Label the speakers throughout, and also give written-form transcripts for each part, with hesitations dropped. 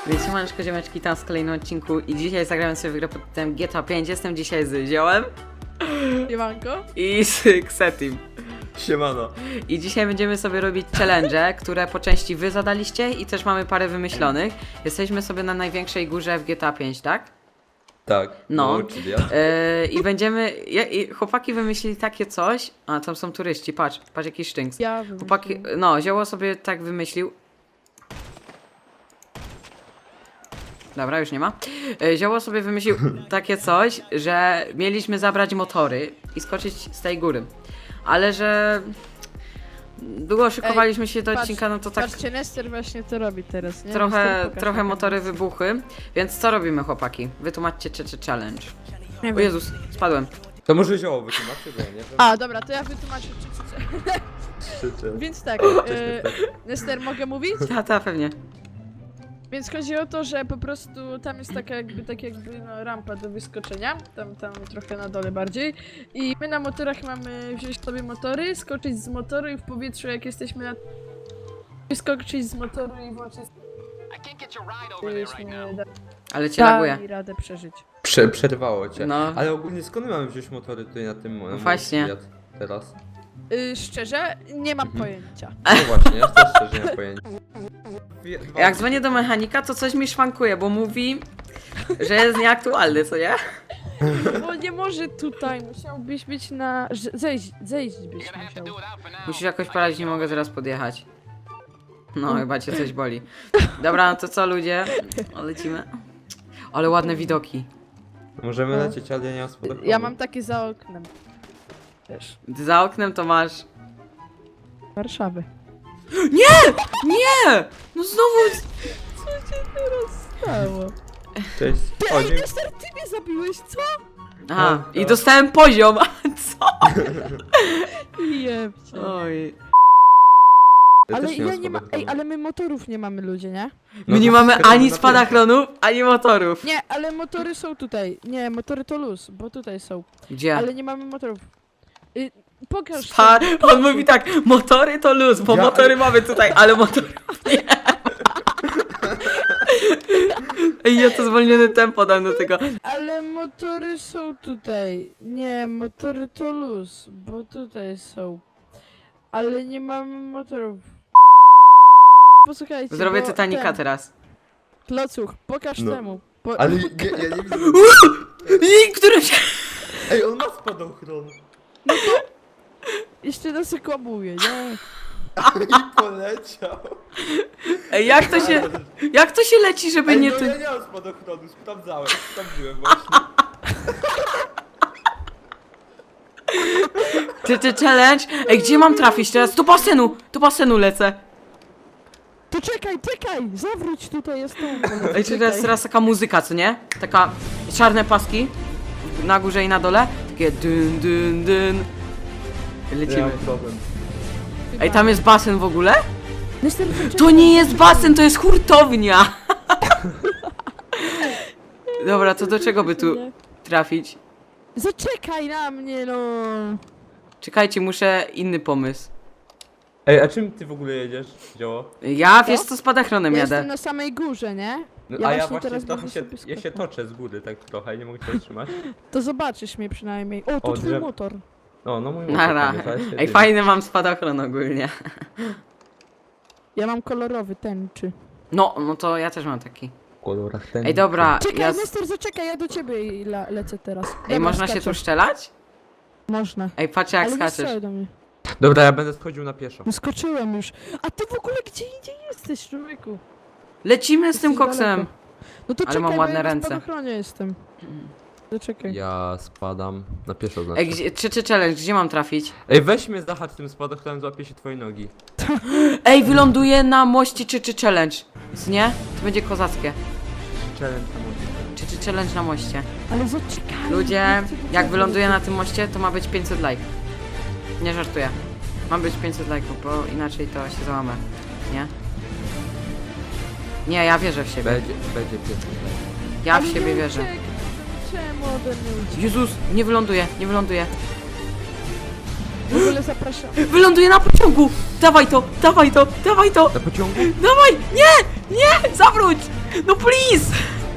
Speaker 1: Więc siemaneczko ziomeczki, tam z kolejnym odcinku i dzisiaj zagramy sobie w grę pod tytułem GTA 5. Jestem dzisiaj z Ziołem
Speaker 2: Siemanko.
Speaker 1: i z Xetim.
Speaker 3: Siemano.
Speaker 1: I dzisiaj będziemy sobie robić challenge, które po części wy zadaliście i też mamy parę wymyślonych. Jesteśmy sobie na największej górze w GTA 5, tak?
Speaker 3: Tak.
Speaker 1: No.
Speaker 3: Czyli ja.
Speaker 1: I będziemy... I chłopaki wymyślili takie coś... A, tam są turyści, patrz jaki sztynks.
Speaker 2: Ja
Speaker 1: Chłopaki... No, Zioło sobie tak wymyślił. Dobra, już nie ma. Zioło sobie wymyślił takie coś, że mieliśmy zabrać motory i skoczyć z tej góry. Ale że długo szykowaliśmy się do odcinka, no to tak
Speaker 2: Patrzcie, Nester właśnie to robi teraz, nie?
Speaker 1: trochę,
Speaker 2: Nester, pokaż
Speaker 1: trochę
Speaker 2: na
Speaker 1: motory
Speaker 2: kamerze.
Speaker 1: wybuchły. Więc co robimy, chłopaki? Wytłumaczcie challenge.
Speaker 2: Nie
Speaker 1: O
Speaker 2: wiem.
Speaker 1: Jezus, spadłem.
Speaker 3: To może zioło wytłumaczy, bo ja nie wiem.
Speaker 2: A, dobra, to ja wytłumaczę
Speaker 3: Czy.
Speaker 2: Więc tak, Nester, mogę mówić?
Speaker 1: Ta, pewnie.
Speaker 2: Więc chodzi o to, że po prostu tam jest taka jakby no, rampa do wyskoczenia, tam trochę na dole bardziej. I my na motorach mamy wziąć sobie motory, skoczyć z motoru i w powietrzu jak jesteśmy na... Wyskoczyć z motoru i włączyć...
Speaker 1: Ale cię laguje.
Speaker 2: i radę przeżyć.
Speaker 3: Przerwało cię.
Speaker 1: No.
Speaker 3: Ale ogólnie skąd mamy wziąć motory tutaj na tym
Speaker 1: Właśnie.
Speaker 3: świat teraz?
Speaker 2: Szczerze, nie mam pojęcia.
Speaker 3: No właśnie, ja też szczerze nie mam pojęcia.
Speaker 1: Jak dzwonię do mechanika, to coś mi szwankuje, bo mówi, że jest nieaktualny, co nie?
Speaker 2: Bo nie może tutaj, musiałbyś być na... Zejść byś musiał.
Speaker 1: Musisz jakoś poradzić, nie mogę teraz podjechać. No, chyba cię coś boli. Dobra, no to co ludzie? O, lecimy. Ale ładne widoki.
Speaker 3: Możemy
Speaker 2: No.
Speaker 3: lecieć, ale ja nie mam spodobania.
Speaker 2: Ja mam takie za oknem. Też.
Speaker 1: Ty za oknem to masz...
Speaker 2: Warszawy.
Speaker 1: Nie! No znowu...
Speaker 2: Co się teraz stało?
Speaker 3: Cześć. O, dziękuję.
Speaker 2: Nester, ty mnie zabiłeś, co?
Speaker 1: Aha,
Speaker 3: No,
Speaker 1: i
Speaker 3: to-
Speaker 1: dostałem poziom. Co?
Speaker 2: Jebcie.
Speaker 1: Oj.
Speaker 3: Ja
Speaker 2: Ale
Speaker 3: też
Speaker 2: ja
Speaker 3: mam
Speaker 2: nie ma...
Speaker 3: spadochronu.
Speaker 2: Ej, ale my motorów nie mamy, ludzie, nie?
Speaker 3: No
Speaker 1: My nie
Speaker 3: to
Speaker 1: mamy
Speaker 3: skakamy
Speaker 1: ani
Speaker 3: na
Speaker 1: spadochronu, ani motorów.
Speaker 2: Nie, ale motory są tutaj. Nie, motory to luz, bo tutaj są.
Speaker 1: Gdzie?
Speaker 2: Ale nie mamy motorów. Pokaż
Speaker 1: On mówi tak, motory to luz, bo
Speaker 3: Ja-
Speaker 1: motory mamy tutaj, ale motorów nie. Ej, ja to zwolnione tempo dam do tego.
Speaker 2: Ale motory są tutaj. Nie, motory to luz, bo tutaj są. Ale nie mamy motorów. Posłuchajcie.
Speaker 1: Zrobię
Speaker 2: bo
Speaker 1: Titanica
Speaker 2: ten,
Speaker 1: teraz.
Speaker 2: Klocuch, pokaż
Speaker 3: No.
Speaker 2: temu.
Speaker 3: Ale ja nie widzę.
Speaker 1: I który się...
Speaker 3: Ej, on ma spadochron.
Speaker 2: Jeszcze nas okłamuje, nie?
Speaker 3: I poleciał.
Speaker 1: Ej, jak to się leci, żeby
Speaker 3: Ej,
Speaker 1: nie
Speaker 3: no
Speaker 1: ty...
Speaker 3: ja nie mam spadochronu, sprawdziłem właśnie.
Speaker 1: Ty challenge? Ej, gdzie mam trafić teraz? Do basenu lecę.
Speaker 2: To czekaj, zawróć tutaj, jest tu.
Speaker 1: Ej, czy teraz taka muzyka, co nie? Taka czarne paski na górze i na dole. Takie dyn, dyn, dyn.
Speaker 3: Nie
Speaker 1: Lecimy.
Speaker 3: mam problem.
Speaker 1: Ej, tam jest basen w ogóle?
Speaker 2: Nester,
Speaker 1: To nie jest basen, to jest hurtownia. Dobra, to do czego by tu trafić?
Speaker 2: Zaczekaj na mnie, no.
Speaker 1: Czekajcie, muszę inny pomysł.
Speaker 3: Ej, a czym ty w ogóle jedziesz, dzieło?
Speaker 1: Ja, wiesz co, spadachronem
Speaker 2: Ja
Speaker 1: jadę.
Speaker 2: jestem na samej górze, nie?
Speaker 3: No,
Speaker 2: Ja
Speaker 3: a ja
Speaker 2: właśnie
Speaker 3: właśnie
Speaker 2: teraz
Speaker 3: trochę
Speaker 2: będę
Speaker 3: się,
Speaker 2: sobie
Speaker 3: ja się
Speaker 2: skakał.
Speaker 3: toczę z góry tak trochę, nie mogę się trzymać.
Speaker 2: To zobaczysz mnie przynajmniej. O, to
Speaker 3: O,
Speaker 2: twój
Speaker 3: drzew-
Speaker 2: motor.
Speaker 3: No mój
Speaker 1: Nara.
Speaker 3: motor, ale się
Speaker 1: Ej,
Speaker 3: dzieje.
Speaker 1: fajny mam spadochron ogólnie.
Speaker 2: Ja mam kolorowy tęczy.
Speaker 1: No to ja też mam taki.
Speaker 3: W kolorach ten.
Speaker 1: Ej, dobra,
Speaker 2: Czekaj,
Speaker 1: ja...
Speaker 2: Nester, zaczekaj, ja do ciebie lecę teraz.
Speaker 1: Ej,
Speaker 2: Dobra,
Speaker 1: można się
Speaker 2: skaczę.
Speaker 1: tu strzelać?
Speaker 2: Można.
Speaker 1: Ej, patrz jak
Speaker 2: Ale nie
Speaker 1: skaczesz.
Speaker 2: strzelaj do mnie.
Speaker 3: Dobra, ja będę schodził na pieszo.
Speaker 2: No skoczyłem już. A ty w ogóle gdzie indziej jesteś, człowieku?
Speaker 1: Lecimy z tym
Speaker 2: Jesteś
Speaker 1: koksem.
Speaker 2: daleko. No to
Speaker 1: Ale
Speaker 2: czekaj,
Speaker 1: mam
Speaker 2: bo
Speaker 1: ładne
Speaker 2: ja na
Speaker 1: ręce.
Speaker 2: spadochronie jestem. Zaczekaj.
Speaker 3: Ja spadam na pieszo znaczy.
Speaker 1: Ej, czy challenge, gdzie mam trafić?
Speaker 3: Ej, weź mnie zahacz tym spadochronem, złapie się twoje nogi.
Speaker 1: Ej, wyląduję na moście czy challenge. Co nie? To będzie kozackie.
Speaker 3: Challenge na mocy.
Speaker 1: Czy challenge na moście.
Speaker 2: Ale zaczekaj.
Speaker 1: Ludzie,
Speaker 2: nie chcę do
Speaker 1: jak
Speaker 2: ciebie.
Speaker 1: wyląduję na tym moście, to ma być 500 like. Nie żartuję. Ma być 500 lajków, bo inaczej to się załamę. Nie? Nie, ja wierzę w siebie.
Speaker 3: Będzie pieszo.
Speaker 1: Ja
Speaker 2: Ale
Speaker 1: w siebie
Speaker 2: nie
Speaker 1: wierzę.
Speaker 2: uciekaj, czemu ode mnie uciekł?
Speaker 1: Jezus, nie wyląduję.
Speaker 2: W ogóle zapraszam.
Speaker 1: Wyląduję na pociągu! dawaj to, dawaj to, dawaj to!
Speaker 3: Na pociągu?
Speaker 1: Dawaj! Nie! Nie! Zawróć! No please!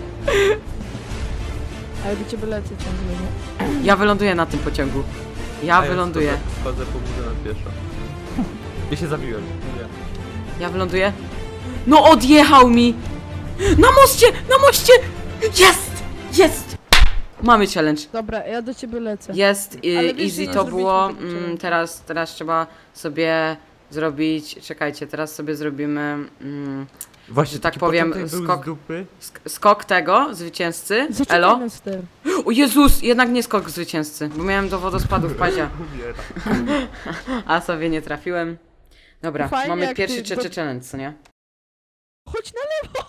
Speaker 2: Ale do ciebie lecę ciągle, nie?
Speaker 1: Ja wyląduję na tym pociągu. Ja wyląduję.
Speaker 3: Wchodzę po górze na pieszo. Ja się zabiłem. Nie.
Speaker 1: Ja wyląduję. No odjechał mi! Na moście! Na moście! Jest! Jest! Mamy challenge.
Speaker 2: Dobra, ja do ciebie lecę.
Speaker 1: Jest,
Speaker 2: Ale wiesz, że
Speaker 1: easy
Speaker 2: nie
Speaker 1: to było.
Speaker 2: zrobiliśmy tego challenge.
Speaker 1: Teraz trzeba sobie zrobić. Czekajcie, teraz sobie zrobimy
Speaker 3: Właśnie
Speaker 1: Że tak
Speaker 3: taki
Speaker 1: powiem,
Speaker 3: początek był
Speaker 1: skok-
Speaker 3: z dupy.
Speaker 1: skok tego zwycięzcy.
Speaker 2: Zaczekaj
Speaker 1: Elo.
Speaker 2: na ster.
Speaker 1: O Jezus, jednak nie skok zwycięzcy, bo miałem do wodospadu w pazie,
Speaker 3: Umiera.
Speaker 1: a sobie nie trafiłem. Dobra,
Speaker 2: Fajnie,
Speaker 1: mamy
Speaker 2: jak
Speaker 1: pierwszy
Speaker 2: ty-
Speaker 1: challenge, co nie?
Speaker 2: Chodź na lewo!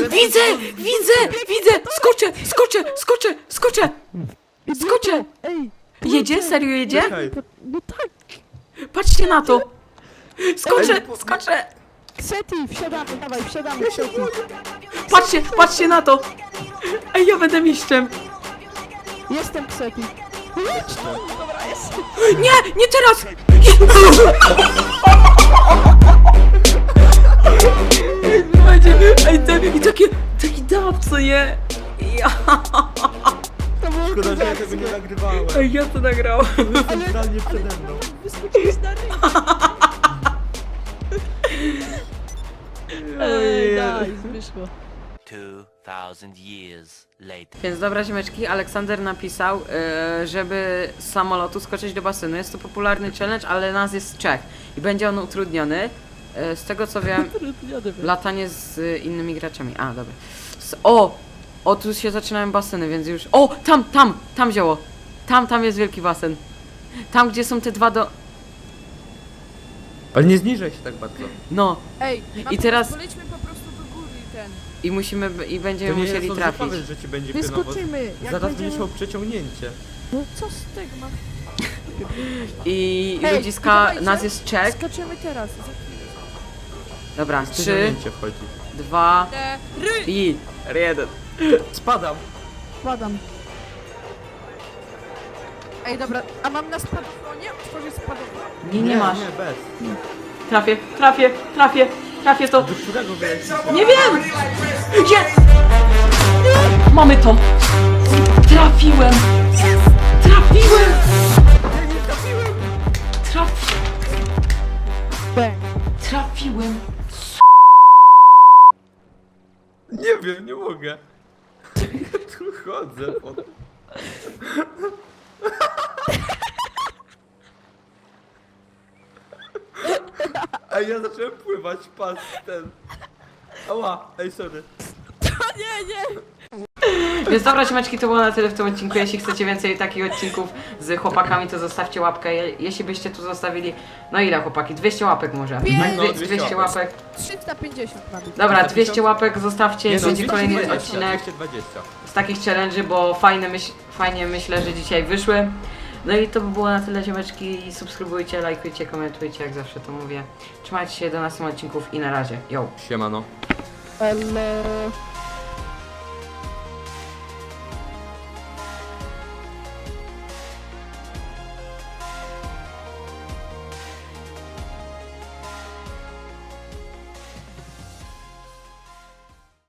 Speaker 1: Widzę! Skoczę! Skoczę!
Speaker 2: Ej!
Speaker 1: Jedzie? Serio jedzie?
Speaker 3: Czekaj.
Speaker 2: No tak!
Speaker 1: Patrzcie na to! Skoczę!
Speaker 2: Seti, wsiadamy, dawaj, wsiadamy, Seti.
Speaker 1: Patrzcie na to! Ej, ja będę mistrzem!
Speaker 2: Jestem Seti. Jedź tu! Dobra, jest.
Speaker 1: Nie teraz! I taki dab, co nie? Ja,
Speaker 2: To było
Speaker 3: Szkoda, że ja
Speaker 2: kozackie.
Speaker 3: tego nie nagrywałem.
Speaker 1: ej, ja to nagrałem.
Speaker 3: Centralnie przede mną.
Speaker 2: Wyskoczyłeś na ryj. Ej, daj, wyszło.
Speaker 4: 2,000 years later.
Speaker 1: Więc dobra ziomeczki, Aleksander napisał, żeby z samolotu skoczyć do basenu. Jest to popularny challenge, ale nas jest 3 i będzie on utrudniony. Z tego co wiem, latanie z innymi graczami. A, dobra. O, tu się zaczynają baseny, więc już... O, tam zioło. Tam jest wielki basen. Tam, gdzie są te dwa do...
Speaker 3: Ale nie zniżaj się tak bardzo.
Speaker 1: No,
Speaker 2: Ej,
Speaker 1: I teraz-
Speaker 2: Polećmy po prostu do góry i ten.
Speaker 1: i musimy, i będziemy
Speaker 3: To nie
Speaker 1: musieli
Speaker 3: jest
Speaker 1: trafić.
Speaker 3: zapowiedź, że ci będzie pionowo.
Speaker 2: Wyskoczymy! Jak
Speaker 3: Zaraz
Speaker 2: będziemy...
Speaker 3: będziesz miał przeciągnięcie.
Speaker 2: No co z tego mam?
Speaker 1: I
Speaker 2: Ej,
Speaker 1: ludziska,
Speaker 2: dawajcie.
Speaker 1: nas jest 3.
Speaker 2: Skaczemy teraz. Za chwilę.
Speaker 1: Dobra, 3,
Speaker 3: Przeciągnięcie wchodzi.
Speaker 1: 2
Speaker 2: Ry!
Speaker 1: i... R1.
Speaker 3: Spadam.
Speaker 2: Wpadam. Ej, dobra, a mam na spadochronie? Otworzyć spadochron.
Speaker 1: Nie masz.
Speaker 3: Nie, bez.
Speaker 1: Trafię to.
Speaker 3: Do którego wylecisz?
Speaker 1: Nie wiem! Jest! Mamy to! Trafiłem!
Speaker 2: Bang.
Speaker 1: Trafiłem!
Speaker 3: Nie wiem, nie mogę. Ja tu chodzę. A ja zacząłem pływać, patrz ten. Ała, ej sorry.
Speaker 2: Nie!
Speaker 1: Więc dobra, siemeczki, to było na tyle w tym odcinku. Jeśli chcecie więcej takich odcinków z chłopakami, to zostawcie łapkę. Jeśli byście tu zostawili... No ile chłopaki? 200 łapek może?
Speaker 3: No,
Speaker 1: 200 łapek.
Speaker 2: 350 ma być.
Speaker 1: Dobra, 200 łapek zostawcie,
Speaker 3: Nie no,
Speaker 1: będzie
Speaker 3: 220,
Speaker 1: kolejny odcinek
Speaker 3: 220.
Speaker 1: z takich challenge'y, bo fajnie myślę, że dzisiaj wyszły. No i to by było na tyle, ziomeczki. Subskrybujcie, lajkujcie, komentujcie, jak zawsze to mówię. Trzymajcie się do następnych odcinków i na razie. Yo!
Speaker 3: Siemano.
Speaker 2: Ale...